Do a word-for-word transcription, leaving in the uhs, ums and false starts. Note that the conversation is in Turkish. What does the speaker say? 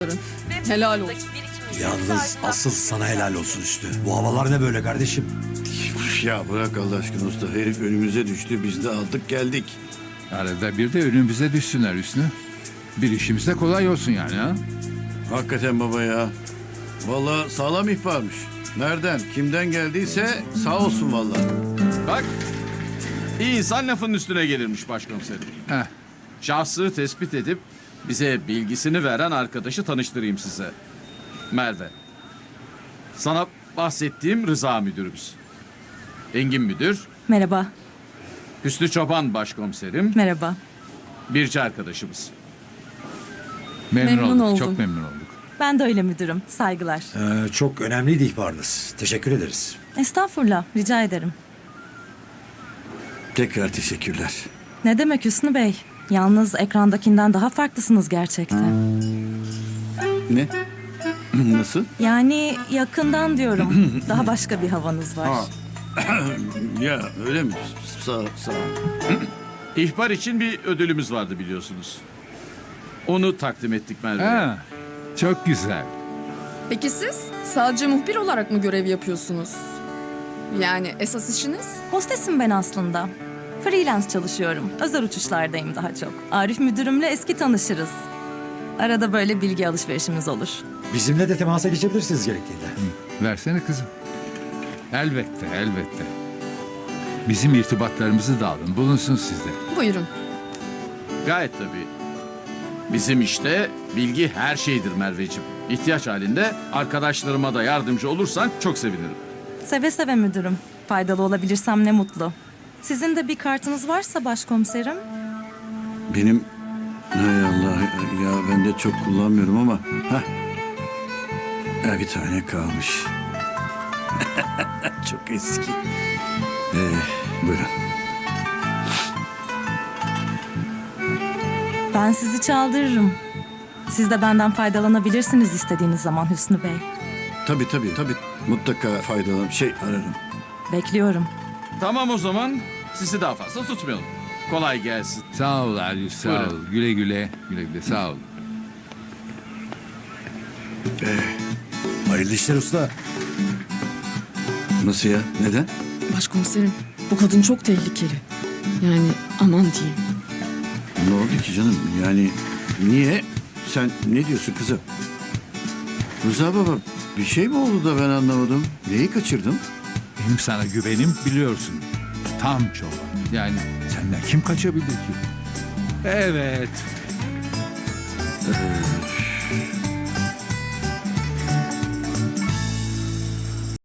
Helal olsun. Yalnız asıl sana helal olsun Üstü. Bu havalar ne böyle kardeşim? Ya bırak Allah aşkına usta. Herif önümüze düştü. Biz de aldık geldik. Arada bir de önümüze düşsünler Hüsnü. Bir işimiz de kolay olsun yani ha. Hakikaten baba ya. Vallahi sağlam ihbarmış. Nereden, kimden geldiyse sağ olsun vallahi. Bak, iyi insan lafın üstüne gelirmiş başkomiserim. Heh. Şahsı tespit edip bize bilgisini veren arkadaşı tanıştırayım size. Merve. Sana bahsettiğim Rıza müdürümüz. Engin müdür, Merhaba, Hüsnü Çoban başkomiserim, merhaba. Birci arkadaşımız. Memnun, Memnun olduk, oldum. çok memnun olduk. Ben de öyle müdürüm. Saygılar. Ee, çok önemliydi ihbarınız. Teşekkür ederiz. Estağfurullah, rica ederim. Tekrar teşekkürler. Ne demek Hüsnü Bey? Yalnız ekrandakinden daha farklısınız gerçekten. Ne? Nasıl? Yani yakından diyorum. Daha başka bir havanız var. Ya öyle mi? Sağ, sağ ol. İhbar için bir ödülümüz vardı biliyorsunuz. Onu takdim ettik Merve'ye. Ha, çok güzel. Peki siz sadece muhbir olarak mı görev yapıyorsunuz? Yani esas işiniz? Hostesim ben aslında. Freelance çalışıyorum. Özel uçuşlardayım daha çok. Arif müdürümle eski tanışırız. Arada böyle bilgi alışverişimiz olur. Bizimle de temasa geçebilirsiniz gerektiğinde. Versene kızım. Elbette, elbette. Bizim irtibatlarımızı da alın, bulunsun sizde. Buyurun. Gayet tabii. Bizim işte bilgi her şeydir Merveciğim. İhtiyaç halinde arkadaşlarıma da yardımcı olursan çok sevinirim. Seve seve müdürüm. Faydalı olabilirsem ne mutlu. Sizin de bir kartınız varsa başkomiserim. Benim... Hay Allah ya ben de çok kullanmıyorum ama... Heh. Ya bir tane kalmış. Çok eski. Ee, buyurun. Ben sizi çaldırırım. Siz de benden faydalanabilirsiniz istediğiniz zaman Hüsnü Bey. Tabii tabii tabii. Mutlaka faydalan şey ararım. Bekliyorum. Tamam o zaman sizi daha fazla tutmayalım. Kolay gelsin. Sağ ol Arif, sağ Buyurun. ol. Güle güle, güle güle, sağ ol. Hayırlı işler usta. Nasıl ya? Neden? Başkomiserim, bu kadın çok tehlikeli. Yani aman diyeyim. Ne oldu ki canım? Yani niye? Sen ne diyorsun kızım? Rıza baba bir şey mi oldu da ben anlamadım? Neyi kaçırdım? Benim sana güvenim biliyorsun. Tam çoban. Yani senden kim kaçabilir ki? Evet. Ee,